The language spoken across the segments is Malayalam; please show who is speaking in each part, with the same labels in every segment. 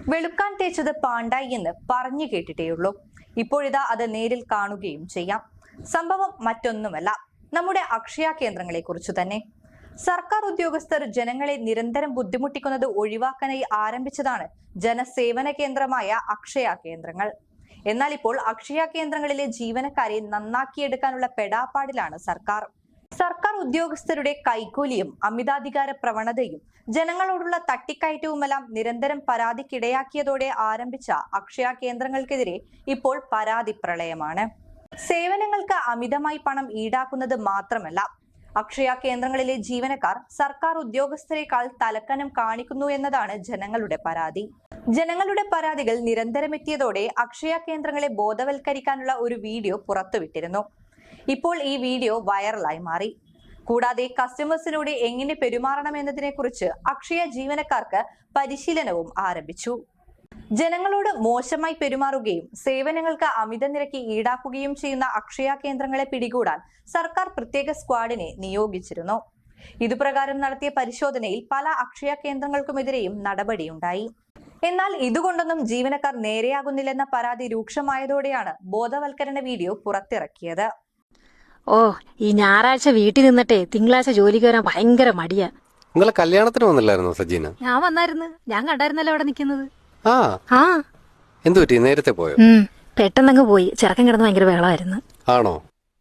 Speaker 1: വെളുക്കാൻ തേച്ചത് പാണ്ടായി എന്ന് പറഞ്ഞു കേട്ടിട്ടേയുള്ളൂ. ഇപ്പോഴിതാ അത് നേരിൽ കാണുകയും ചെയ്യാം. സംഭവം മറ്റൊന്നുമല്ല, നമ്മുടെ അക്ഷയ കേന്ദ്രങ്ങളെ കുറിച്ചു തന്നെ. സർക്കാർ ഉദ്യോഗസ്ഥർ ജനങ്ങളെ നിരന്തരം ബുദ്ധിമുട്ടിക്കുന്നത് ഒഴിവാക്കാനായി ആരംഭിച്ചതാണ് ജനസേവന കേന്ദ്രമായ അക്ഷയ കേന്ദ്രങ്ങൾ. എന്നാൽ ഇപ്പോൾ അക്ഷയ കേന്ദ്രങ്ങളിലെ ജീവനക്കാരെ നന്നാക്കിയെടുക്കാനുള്ള പെടാപ്പാടിലാണ് സർക്കാർ. സർക്കാർ ഉദ്യോഗസ്ഥരുടെ കൈക്കൂലിയും അമിതാധികാര പ്രവണതയും ജനങ്ങളോടുള്ള തട്ടിക്കയറ്റവുമെല്ലാം നിരന്തരം പരാതിക്കിടയാക്കിയതോടെ ആരംഭിച്ച അക്ഷയ കേന്ദ്രങ്ങൾക്കെതിരെ ഇപ്പോൾ പരാതി പ്രളയമാണ്. സേവനങ്ങൾക്ക് അമിതമായി പണം ഈടാക്കുന്നത് മാത്രമല്ല, അക്ഷയ കേന്ദ്രങ്ങളിലെ ജീവനക്കാർ സർക്കാർ ഉദ്യോഗസ്ഥരെക്കാൾ തലക്കനം കാണിക്കുന്നു എന്നതാണ് ജനങ്ങളുടെ പരാതി. ജനങ്ങളുടെ പരാതികൾ നിരന്തരം എത്തിയതോടെ അക്ഷയ കേന്ദ്രങ്ങളെ ബോധവൽക്കരിക്കാനുള്ള ഒരു വീഡിയോ പുറത്തുവിട്ടിരുന്നു. ഇപ്പോൾ ഈ വീഡിയോ വൈറലായി മാറി. കൂടാതെ കസ്റ്റമേഴ്സിനോട് എങ്ങനെ പെരുമാറണം എന്നതിനെ കുറിച്ച് അക്ഷയ ജീവനക്കാർക്ക് പരിശീലനവും ആരംഭിച്ചു. ജനങ്ങളോട് മോശമായി പെരുമാറുകയും സേവനങ്ങൾക്ക് അമിത നിരക്ക് ഈടാക്കുകയും ചെയ്യുന്ന അക്ഷയ കേന്ദ്രങ്ങളെ പിടികൂടാൻ സർക്കാർ പ്രത്യേക സ്ക്വാഡിനെ നിയോഗിച്ചിരുന്നു. ഇതുപ്രകാരം നടത്തിയ പരിശോധനയിൽ പല അക്ഷയ കേന്ദ്രങ്ങൾക്കുമെതിരെയും നടപടിയുണ്ടായി. എന്നാൽ ഇതുകൊണ്ടൊന്നും ജീവനക്കാർ നേരെയാകുന്നില്ലെന്ന പരാതി രൂക്ഷമായതോടെയാണ് ബോധവൽക്കരണ വീഡിയോ പുറത്തിറക്കിയത്.
Speaker 2: ഈ ഞായറാഴ്ച വീട്ടിൽ നിന്നിട്ടേ തിങ്കളാഴ്ച ജോലിക്ക് വരാൻ ഭയങ്കര മടിയാ.
Speaker 3: നിങ്ങളെ കല്യാണത്തിന് വന്നില്ലായിരുന്നോ സജീന?
Speaker 2: ഞാൻ വന്നായിരുന്നു, ഞാൻ കണ്ടായിരുന്നല്ലോ അവിടെ നിൽക്കുന്നത്.
Speaker 3: എന്തു പറ്റി, നേരത്തെ പോയോ?
Speaker 2: പെട്ടെന്നങ്ങ് പോയി. ചെറുക്കൻ കിടന്ന് ഭയങ്കര ബഹളമായിരുന്നു.
Speaker 3: ആണോ?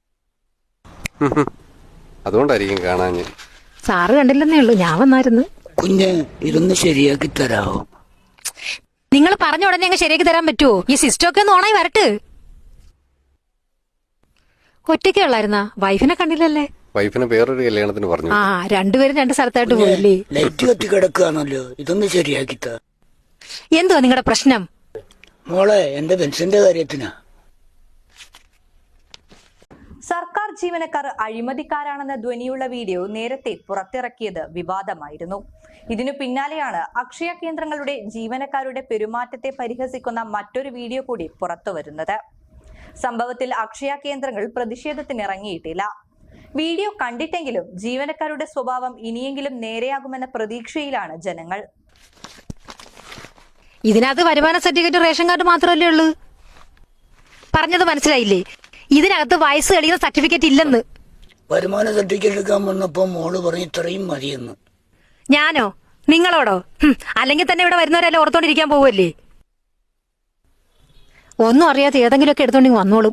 Speaker 3: അതുകൊണ്ടായിരിക്കും കാണാൻ.
Speaker 2: സാറ് കണ്ടില്ലെന്നേ ഉള്ളൂ, ഞാൻ വന്നായിരുന്നു.
Speaker 4: കുഞ്ഞ് ഇതൊന്ന് ശരിയാക്കി തരാമോ?
Speaker 2: നിങ്ങൾ പറഞ്ഞ ഉടനെ അങ്ങ് ശരിയാക്കി തരാൻ പറ്റുമോ? ഈ സിസ്റ്റമൊക്കെ ഒന്ന് ഓണായി വരട്ട്. ഒറ്റയ്ക്കേ ഉള്ളായിരുന്നാ? വൈഫിനെ കണ്ടില്ലല്ലേ?
Speaker 3: വൈഫിനെ വേറൊരു കല്യാണത്തിന് പറഞ്ഞു.
Speaker 2: രണ്ടുപേരും രണ്ട് സ്ഥലത്തായിട്ട് പോയില്ലേ?
Speaker 4: ലൈറ്റ് കത്തി കിടക്കുകയാണല്ലോ, ഇതൊന്ന് ശരിയാക്കി താ.
Speaker 2: എന്തുവാ നിങ്ങളുടെ പ്രശ്നം?
Speaker 4: മോളെ, എന്റെ പെൻഷന്റെ കാര്യത്തിനാ.
Speaker 1: സർക്കാർ ജീവനക്കാർ അഴിമതിക്കാരാണെന്ന ധ്വനിയുള്ള വീഡിയോ നേരത്തെ പുറത്തിറക്കിയത് വിവാദമായിരുന്നു. ഇതിനു പിന്നാലെയാണ് അക്ഷയ കേന്ദ്രങ്ങളുടെ ജീവനക്കാരുടെ പെരുമാറ്റത്തെ പരിഹസിക്കുന്ന മറ്റൊരു വീഡിയോ കൂടി പുറത്തുവരുന്നത്. സംഭവത്തിൽ അക്ഷയ കേന്ദ്രങ്ങൾ പ്രതിഷേധത്തിനിറങ്ങിയിട്ടില്ല. വീഡിയോ കണ്ടിട്ടെങ്കിലും ജീവനക്കാരുടെ സ്വഭാവം ഇനിയെങ്കിലും നേരെയാകുമെന്ന പ്രതീക്ഷയിലാണ് ജനങ്ങൾ.
Speaker 2: ഇതിനകത്ത് വരുമാന സർട്ടിഫിക്കറ്റ്, റേഷൻ കാർഡ് മാത്രമല്ലേ ഉള്ളൂ. പറഞ്ഞത് മനസ്സിലായില്ലേ? ഇതിനകത്ത് വയസ്സ് തെളിയുന്ന സർട്ടിഫിക്കറ്റ് ഇല്ലെന്ന്.
Speaker 4: വരുമാന സർട്ടിഫിക്കറ്റ് എടുക്കാൻ വന്നപ്പോ മോള് പറഞ്ഞു ഇത്രയും മതിയെന്ന്.
Speaker 2: ഞാനോ? നിങ്ങളോടോ? അല്ലെങ്കിൽ തന്നെ ഇവിടെ വരുന്നവരെല്ലാം ഓർത്തോണ്ടിരിക്കാൻ പോവല്ലേ? ഒന്നും അറിയാത്ത ഏതെങ്കിലുമൊക്കെ എടുത്തോണ്ടെങ്കിൽ വന്നോളും.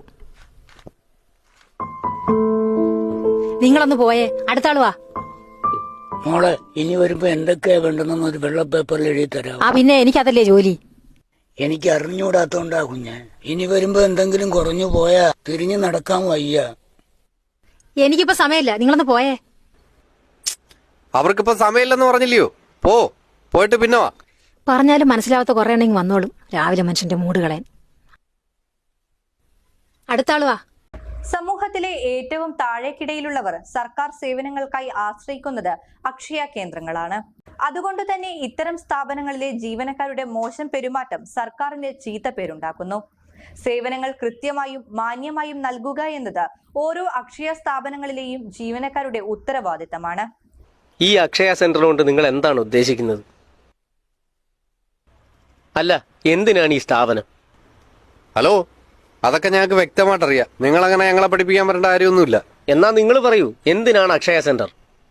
Speaker 2: നിങ്ങളൊന്ന് പോയേ, അടുത്ത ആള് വാ.
Speaker 4: മോളെ, ഇനി വരുമ്പോ എന്തൊക്കെയാ വേണ്ടെന്ന് ഒരു വെള്ള പേപ്പറിൽ എഴുതി തരാം.
Speaker 2: പിന്നെ എനിക്കതല്ലേ ജോലി.
Speaker 4: എനിക്ക് അറിഞ്ഞുകൂടാത്തോണ്ടാ കുഞ്ഞ്. ഇനി വരുമ്പോ എന്തെങ്കിലും കുറഞ്ഞു പോയാ തിരിഞ്ഞു നടക്കാൻ വയ്യ.
Speaker 2: എനിക്കിപ്പോ സമയമില്ല, നിങ്ങളൊന്ന് പോയേ.
Speaker 3: അവർക്കിപ്പോ സമയമില്ലെന്ന് പറഞ്ഞില്ലയോ? പോയിട്ട് പിന്നെ വാ.
Speaker 2: പറഞ്ഞാലും മനസ്സിലാവാത്ത കുറെ ഉണ്ടെങ്കിൽ വന്നോളും. രാവിലെ മനുഷ്യന്റെ മൂട് കളയാൻ. അടുത്ത ആള് വാ.
Speaker 1: സമൂഹത്തിലെ ഏറ്റവും താഴേക്കിടയിലുള്ളവർ സർക്കാർ സേവനങ്ങൾക്കായി ആശ്രയിക്കുന്നത് അക്ഷയ കേന്ദ്രങ്ങളാണ്. അതുകൊണ്ട് തന്നെ ഇത്തരം സ്ഥാപനങ്ങളിലെ ജീവനക്കാരുടെ മോശം പെരുമാറ്റം സർക്കാരിന് ചീത്തപ്പേരുണ്ടാക്കുന്നു. സേവനങ്ങൾ കൃത്യമായും മാന്യമായും നൽകുക എന്നത് ഓരോ അക്ഷയ സ്ഥാപനങ്ങളിലെയും ജീവനക്കാരുടെ ഉത്തരവാദിത്തമാണ്.
Speaker 5: ഈ അക്ഷയ സെന്റർ കൊണ്ട് നിങ്ങൾ എന്താണ് ഉദ്ദേശിക്കുന്നത്? അല്ല, എന്തിനാണ് ഈ സ്ഥാപനം?
Speaker 3: ഹലോ, അതൊക്കെ ഞങ്ങൾക്ക് വ്യക്തമായിട്ടറിയാം. നിങ്ങളങ്ങനെ ഞങ്ങളെ പഠിപ്പിക്കാൻ വരേണ്ട കാര്യമൊന്നുമില്ല.
Speaker 5: എന്നാ നിങ്ങൾ പറയൂ, എന്തിനാണ് അക്ഷയ സെന്റർ?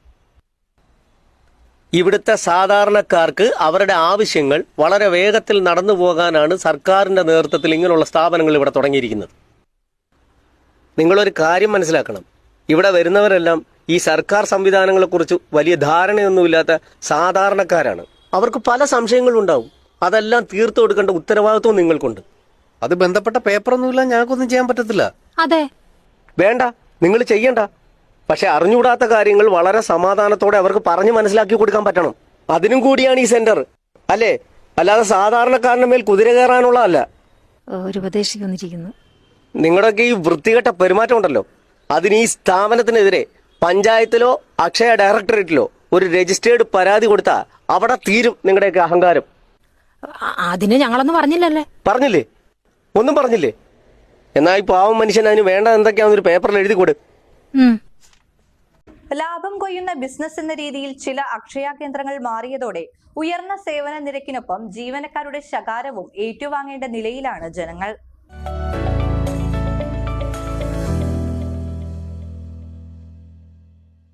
Speaker 5: ഇവിടുത്തെ സാധാരണക്കാർക്ക് അവരുടെ ആവശ്യങ്ങൾ വളരെ വേഗത്തിൽ നടന്നു പോകാനാണ് സർക്കാരിന്റെ നേതൃത്വത്തിൽ ഇങ്ങനെയുള്ള സ്ഥാപനങ്ങൾ ഇവിടെ തുടങ്ങിയിരിക്കുന്നത്. നിങ്ങളൊരു കാര്യം മനസ്സിലാക്കണം, ഇവിടെ വരുന്നവരെല്ലാം ഈ സർക്കാർ സംവിധാനങ്ങളെക്കുറിച്ച് വലിയ ധാരണയൊന്നുമില്ലാത്ത സാധാരണക്കാരാണ്. അവർക്ക് പല സംശയങ്ങളും ഉണ്ടാവും. അതെല്ലാം തീർത്തു കൊടുക്കേണ്ട ഉത്തരവാദിത്വം നിങ്ങൾക്കുണ്ട്.
Speaker 3: അത് ബന്ധപ്പെട്ട പേപ്പറൊന്നുമില്ല, ഞങ്ങൾക്കൊന്നും ചെയ്യാൻ പറ്റത്തില്ല.
Speaker 2: അതെ,
Speaker 5: വേണ്ട, നിങ്ങൾ ചെയ്യണ്ട. പക്ഷെ അറിഞ്ഞുകൂടാത്ത കാര്യങ്ങൾ വളരെ സമാധാനത്തോടെ അവർക്ക് പറഞ്ഞു മനസ്സിലാക്കി കൊടുക്കാൻ പറ്റണം. അതിനും കൂടിയാണ് ഈ സെന്റർ, അല്ലേ? അല്ലാതെ സാധാരണക്കാരന്റെ മേൽ കുതിര കയറാനുള്ളതല്ല.
Speaker 2: ഒരു ഉപദേശിക്ക് വന്നിരിക്കുന്നു.
Speaker 5: നിങ്ങളുടെയൊക്കെ ഈ വൃത്തികെട്ട പെരുമാറ്റം ഉണ്ടല്ലോ, അതിന് ഈ സ്ഥാപനത്തിനെതിരെ പഞ്ചായത്തിലോ അക്ഷയ ഡയറക്ടറേറ്റിലോ ഒരു രജിസ്റ്റേർഡ് പരാതി കൊടുത്താൽ അവിടെ തീരും നിങ്ങളുടെയൊക്കെ അഹങ്കാരം.
Speaker 2: അതിന് ഞങ്ങളൊന്നും പറഞ്ഞില്ലല്ലേ?
Speaker 5: പറഞ്ഞില്ലേ? ഒന്നും പറഞ്ഞില്ലേ? എന്നാ ഈ പാവം മനുഷ്യൻ അതിന് വേണ്ട എന്തൊക്കെയാണെന്നൊരു പേപ്പറിൽ എഴുതി കൊടു.
Speaker 1: ലാഭം കൊയ്യുന്ന ബിസിനസ് എന്ന രീതിയിൽ ചില അക്ഷയ കേന്ദ്രങ്ങൾ മാറിയതോടെ ഉയർന്ന സേവന നിരക്കിനൊപ്പം ജീവനക്കാരുടെ ശകാരവും ഏറ്റുവാങ്ങേണ്ട നിലയിലാണ് ജനങ്ങൾ.